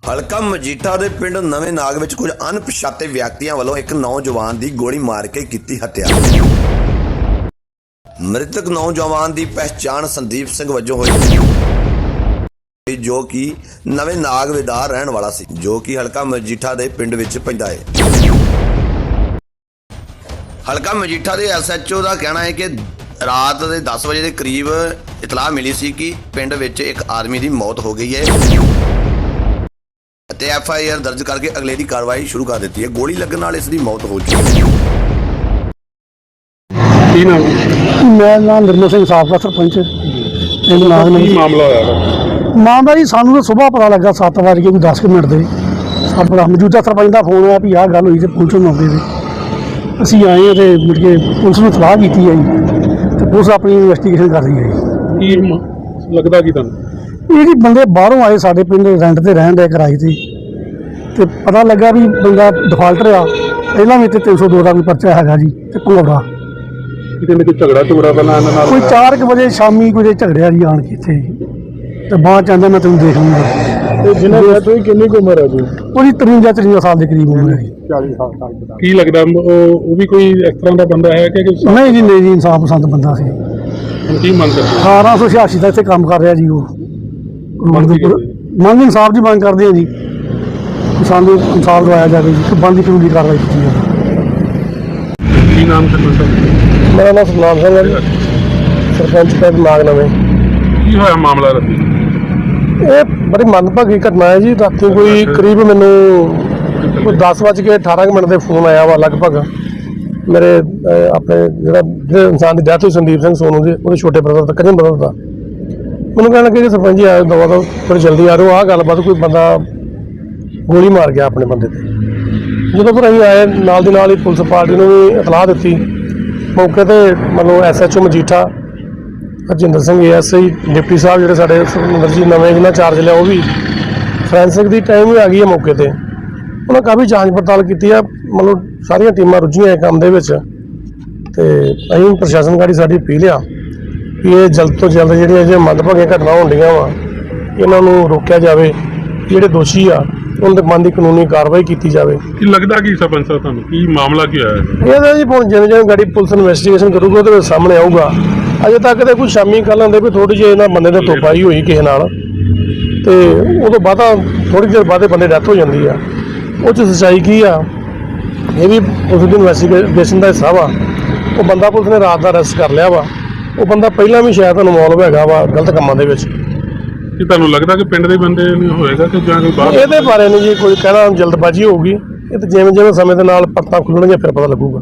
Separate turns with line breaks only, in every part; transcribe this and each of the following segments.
ਹਲਕਾ ਮਜੀਠਾ ਦੇ ਪਿੰਡ ਨਵੇਂ ਨਾਗ ਵਿੱਚ ਕੁਝ ਅਣਪਛਾਤੇ ਵਿਅਕਤੀਆਂ ਵੱਲੋਂ ਇੱਕ ਨੌਜਵਾਨ ਦੀ ਗੋਲੀ ਮਾਰ ਕੇ ਕੀਤੀ ਹੱਤਿਆ। ਮ੍ਰਿਤਕ ਨੌਜਵਾਨ ਦੀ ਪਹਿਚਾਣ ਸੰਦੀਪ ਸਿੰਘ ਵਜੋਂ ਹੋਈ, ਜੋ ਕਿ ਨਵੇਂ ਨਾਗ ਦਾ ਰਹਿਣ ਵਾਲਾ ਸੀ, ਜੋ ਕਿ ਹਲਕਾ ਮਜੀਠਾ ਦੇ ਪਿੰਡ ਵਿੱਚ ਪੈਂਦਾ ਹੈ। ਹਲਕਾ ਮਜੀਠਾ ਦੇ SHO ਦਾ ਕਹਿਣਾ ਹੈ ਕਿ ਰਾਤ ਦੇ 10 ਵਜੇ ਦੇ ਕਰੀਬ ਇਤਲਾਹ ਮਿਲੀ ਸੀ ਕਿ ਪਿੰਡ ਵਿੱਚ ਇੱਕ ਆਦਮੀ ਦੀ ਮੌਤ ਹੋ ਗਈ ਹੈ ਅਤੇ FIR ਦਰਜ ਕਰਕੇ ਅਗਲੇਰੀ ਕਾਰਵਾਈ ਸ਼ੁਰੂ ਕਰ ਦਿੱਤੀ ਹੈ। ਗੋਲੀ ਲੱਗਣ ਨਾਲ ਇਸ ਦੀ ਮੌਤ ਹੋ ਚੁੱਕੀ ਹੈ।
ਕੀ ਨਾਮ?
ਮੈਂ ਨਾਮ ਨਿਰਮਲ ਸਿੰਘ, ਸਾਬਕਾ ਸਰਪੰਚ ਪਿੰਡ ਨਾਗ ਨਵੇਂ।
ਕੀ ਮਾਮਲਾ ਹੋਇਆ?
ਮਾਮਲਾ ਜੀ ਸਾਨੂੰ ਤਾਂ ਸੁਬਾਹ ਪਤਾ ਲੱਗਾ 7 ਵਜੇ ਕੋਈ 10 ਮਿੰਟ ਦੇ ਸਾਡਾ ਮੌਜੂਦਾ ਸਰਪੰਚ ਦਾ ਫੋਨ ਆਇਆ ਵੀ ਆਹ ਗੱਲ ਹੋਈ ਤੇ ਪੁਲਿਸ ਨੂੰ ਆਉਂਦੇ ਤੇ ਅਸੀਂ ਆਏ ਤੇ ਮੁੜ ਕੇ ਪੁਲਿਸ ਨੂੰ ਸਲਾਹ ਕੀਤੀ ਹੈ ਜੀ ਤੇ ਪੁਲਿਸ ਆਪਣੀ ਇਨਵੈਸਟੀਗੇਸ਼ਨ ਕਰ ਰਹੀ ਹੈ ਜੀ।
ਕੀ ਲੱਗਦਾ ਕੀ ਤੁਹਾਨੂੰ?
ਇਹ ਜੀ ਬੰਦੇ ਬਾਹਰੋਂ ਆਏ ਸਾਡੇ ਪਿੰਡ ਰੈਂਟ ਤੇ ਰਹਿਣ ਦੇ ਕਿਰਾਏ ਤੇ ਪਤਾ ਲੱਗਾ ਵੀ ਬੰਦਾ ਡਿਫਾਲਟਰ ਆ, ਪਹਿਲਾਂ ਵੀ ਤੇ 302 ਦਾ ਕੋਈ ਪਰਚਾ ਹੈਗਾ ਜੀ ਤੇ ਭੰਗੌੜਾ।
ਕਿਤੇ ਕੋਈ ਝਗੜਾ ਪਹਿਲਾਂ ਇਹਨਾਂ ਨਾਲ
ਕੋਈ 4 ਵਜੇ ਸ਼ਾਮੀ ਕੋਈ ਝਗੜਿਆ ਜੀ ਆਣ ਕੇ ਇੱਥੇ ਤੇ ਬਾਅਦ ਚ ਆਂਦਾ ਮੈਂ ਤੈਨੂੰ ਦੇਖ ਲੂੰਗਾ।
ਤੇ ਜਿਹਨਾਂ ਦੀ ਤੁਸੀਂ ਕਿੰਨੀ ਕੁ ਉਮਰ ਹੈ ਜੀ?
ਉਹਦੀ 53 ਸਾਲ ਦੇ ਕਰੀਬ ਉਮਰ ਹੈ ਜੀ।
40 ਸਾਲ। ਕੀ ਲੱਗਦਾ ਉਹ ਵੀ ਕੋਈ ਇਸ ਤਰ੍ਹਾਂ ਦਾ ਬੰਦਾ ਹੈ ਕਿ
ਨਹੀਂ ਜੀ, ਨਹੀਂ ਜੀ, ਇਨਸਾਫ ਪਸੰਦ ਬੰਦਾ ਸੀ।
ਕੀ ਮੰਗ ਕਰਦੇ?
1886 ਦਾ ਇੱਥੇ ਕੰਮ ਕਰ ਰਿਹਾ ਜੀ ਉਹ। ਮੰਗ ਇਨਸਾਫ ਦੀ ਮੰਗ ਕਰਦੇ ਆ ਜੀ, ਸਾਨੂੰ ਇਨਸਾਫ ਦਵਾਇਆ ਜਾਵੇ ਜੀ, ਬਣਦੀ ਕਾਨੂੰਨੀ ਕਾਰਵਾਈ ਕੀਤੀ ਜਾਵੇ।
ਕੀ ਨਾਮ ਸਰਪੰਚ?
ਮੇਰਾ ਨਾਮ ਸਤਨਾਮ ਸਿੰਘ ਹੈ ਜੀ, ਸਰਪੰਚ ਪਿੰਡ ਨਾਗ ਨਵੇਂ।
ਕੀ ਹੋਇਆ ਮਾਮਲਾ ਰਾਤੀ?
ਇਹ ਬੜੀ ਮੰਦਭਾਗੀ ਘਟਨਾ ਹੈ ਜੀ। ਰਾਤੀ ਕੋਈ ਕਰੀਬ ਮੈਨੂੰ ਕੋਈ 10:18 ਦੇ ਫੋਨ ਆਇਆ ਵਾ ਲਗਭਗ ਮੇਰੇ ਆਪਣੇ ਜਿਹੜੇ ਇਨਸਾਨ ਦੀ ਡੈਥ ਹੋਈ ਸੰਦੀਪ ਸਿੰਘ ਸੋਨੂ ਦੀ, ਉਹਦੇ ਛੋਟੇ ਬ੍ਰਦਰ ਦਾ, ਕਜ਼ਨ ਬ੍ਰਦਰ ਦਾ। ਮੈਨੂੰ ਕਹਿਣ ਲੱਗੇ ਕਿ ਸਰਪੰਚ ਜੀ ਆਇਓ ਦਵਾ ਦੋ, ਥੋੜੀ ਜਲਦੀ ਆ ਰਹੋ, ਆਹ ਗੱਲਬਾਤ ਕੋਈ ਬੰਦਾ ਗੋਲੀ ਮਾਰ ਗਿਆ ਆਪਣੇ ਬੰਦੇ ਤੇ। ਜਦੋਂ ਫਿਰ ਅਸੀਂ ਆਏ ਨਾਲ ਦੀ ਨਾਲ ਹੀ ਪੁਲਿਸ ਪਾਰਟੀ ਨੂੰ ਵੀ ਇਤਲਾਹ ਦਿੱਤੀ। ਮੌਕੇ ਤੇ ਮਤਲਬ SHO Majitha Harjinder Singh ASI deputy ਸਾਹਿਬ ਜਿਹੜੇ ਸਾਡੇ ਸੁਖਮਿੰਦਰ ਜੀ ਨਵੇਂ ਜਿਹਨਾਂ ਚਾਰਜ ਲਿਆ, ਉਹ ਵੀ ਫੋਰੈਂਸਿਕ ਦੀ ਟਾਈਮ ਵੀ ਆ ਗਈ ਹੈ ਮੌਕੇ ਤੇ। ਉਹਨਾਂ ਕਾਫੀ ਜਾਂਚ ਪੜਤਾਲ ਕੀਤੀ ਆ, ਮਤਲਬ ਸਾਰੀਆਂ ਟੀਮਾਂ ਰੁੱਝੀਆਂ ਇਹ ਕੰਮ ਦੇ ਵਿੱਚ ਤੇ ਅਸੀਂ ਪ੍ਰਸ਼ਾਸਨ ਗਾੜੀ ਸਾਡੀ ਅਪੀਲ ਆ ਕਿ ਇਹ ਜਲਦ ਤੋਂ ਜਲਦ ਜਿਹੜੀਆਂ ਮੰਦਭਾਗੀਆਂ ਘਟਨਾ ਹੁੰਦੀਆਂ ਵਾ ਇਹਨਾਂ ਨੂੰ ਰੋਕਿਆ ਜਾਵੇ। ਜਿਹੜੇ ਦੋਸ਼ੀ ਆ ਉਹਨਾਂ ਦੇ ਮਨ ਦੀ ਕਾਨੂੰਨੀ ਕਾਰਵਾਈ ਕੀਤੀ ਜਾਵੇ।
ਕੀ ਲੱਗਦਾ ਕੀ ਸਰਪੰਚ ਸਾਹਿਬ ਤੁਹਾਨੂੰ? ਕੀ ਮਾਮਲਾ ਕੀ ਹੋਇਆ?
ਇਹਦਾ ਜੀ ਹੁਣ ਜਿਵੇਂ ਜਿਵੇਂ ਗਾੜੀ ਪੁਲਿਸ ਇਨਵੈਸਟੀਗੇਸ਼ਨ ਕਰੂਗਾ ਉਹਦੇ ਵਿੱਚ ਸਾਹਮਣੇ ਆਊਗਾ। ਅਜੇ ਤੱਕ ਤੇ ਕੁਝ ਸ਼ਾਮੀ ਕੱਲ੍ਹ ਆਉਂਦੇ ਵੀ ਥੋੜ੍ਹੀ ਜਿਹੀ ਇਹਨਾਂ ਬੰਦੇ ਨੇ ਤੋਪਾਈ ਹੋਈ ਕਿਸੇ ਨਾਲ ਤੇ ਉਦੋਂ ਬਾਅਦ ਥੋੜ੍ਹੀ ਦੇਰ ਬਾਅਦ ਬੰਦੇ ਡੈਥ ਹੋ ਜਾਂਦੀ ਆ। ਉਹ 'ਚ ਸੱਚਾਈ ਕੀ ਆ ਇਹ ਵੀ ਪੁਲਿਸ ਦੀ ਇਨਵੈਸਟੀਗੇਸ਼ਨ ਦਾ ਹਿੱਸਾ ਵਾ। ਉਹ ਬੰਦਾ ਪੁਲਿਸ ਨੇ ਰਾਤ ਦਾ ਅਰੈਸਟ ਕਰ ਲਿਆ ਵਾ। ਉਹ ਬੰਦਾ ਪਹਿਲਾਂ ਵੀ ਸ਼ਾਇਦ ਇਨਵੋਲਵ ਹੈਗਾ ਵਾ ਗਲਤ ਕੰਮਾਂ ਦੇ ਵਿੱਚ।
ਕੀ ਤੁਹਾਨੂੰ ਲੱਗਦਾ ਕਿ ਪਿੰਡ ਦੇ ਬੰਦੇ ਨਹੀਂ ਹੋਏਗਾ ਕਿ ਜਾਂ ਕੋਈ ਬਾਹਰ?
ਇਹਦੇ ਬਾਰੇ ਨਹੀਂ ਜੀ ਕੋਈ ਕਹਿਣਾ, ਜਲਦਬਾਜ਼ੀ ਹੋਊਗੀ। ਇਹ ਤਾਂ ਜਿਵੇਂ ਜਿਵੇਂ ਸਮੇਂ ਦੇ ਨਾਲ ਪਰਤਾਂ ਖੁੱਲਣਗੀਆਂ ਫਿਰ ਪਤਾ ਲੱਗੂਗਾ।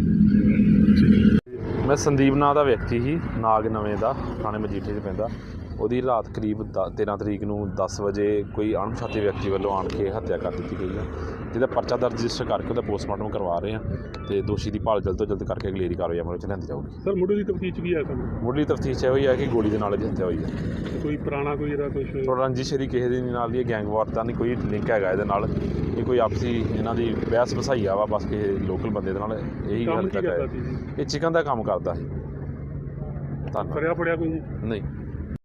ਮੈਂ ਸੰਦੀਪ ਨਾਂ ਦਾ ਵਿਅਕਤੀ ਸੀ, ਨਾਗ ਨਵੇਂ ਦਾ, ਥਾਣੇ ਮਜੀਠੇ 'ਚ ਪੈਂਦਾ। ਉਹਦੀ ਰਾਤ ਕਰੀਬ 13 ਤਰੀਕ ਨੂੰ 10 ਵਜੇ ਕੋਈ ਅਣਪਛਾਤੇ ਵਿਅਕਤੀ ਵੱਲੋਂ ਆਣ ਕੇ ਹੱਤਿਆ ਕਰ ਦਿੱਤੀ ਗਈ ਹੈ, ਜਿਹਦਾ ਪਰਚਾ ਦਰਜ ਰਜਿਸਟਰ ਕਰਕੇ ਉਹਦਾ ਪੋਸਟਮਾਰਟਮ ਕਰਵਾ ਰਹੇ ਹਾਂ ਅਤੇ ਦੋਸ਼ੀ ਦੀ ਭਾਲ ਜਲਦ ਤੋਂ ਜਲਦ ਕਰਕੇ ਅਗਲੇਰੀ ਕਾਰਵਾਈ ਅਮਲ ਵਿੱਚ ਲਿਆਂਦੀ ਜਾਊਗੀ।
ਸਰ ਮੁੱਢਲੀ ਤਫਤੀਸ਼ ਕੀ ਹੈ ਤੁਹਾਨੂੰ?
ਮੁੱਢਲੀ ਤਫਤੀਸ਼ ਇਹੋ ਹੀ ਹੈ ਕਿ ਗੋਲੀ ਦੇ ਨਾਲ ਇਹਦੀ ਹੱਤਿਆ ਹੋਈ ਹੈ।
ਕੋਈ ਪੁਰਾਣਾ ਕੋਈ ਇਹਦਾ ਕੁਝ
ਰੰਜਿਸ਼ ਇਹਦੀ ਕਿਸੇ ਦੇ ਨਾਲ ਦੀ ਗੈਂਗਵਾਰ ਦਾ ਨਹੀਂ ਕੋਈ ਲਿੰਕ ਹੈਗਾ ਇਹਦੇ ਨਾਲ। ਇਹ ਕੋਈ ਆਪਸੀ ਇਹਨਾਂ ਦੀ ਬਹਿਸ ਵਸਾਈਆ ਵਾ ਬਸ ਕਿਸੇ ਲੋਕਲ ਬੰਦੇ ਦੇ ਨਾਲ, ਇਹੀ ਗੱਲ ਤੱਕ ਹੈ। ਇਹ ਚਿਕਨ ਦਾ ਕੰਮ ਕਰਦਾ ਸੀ। ਧੰਨਵਾਦ।
ਫੜਿਆ ਕੋਈ?
ਨਹੀਂ।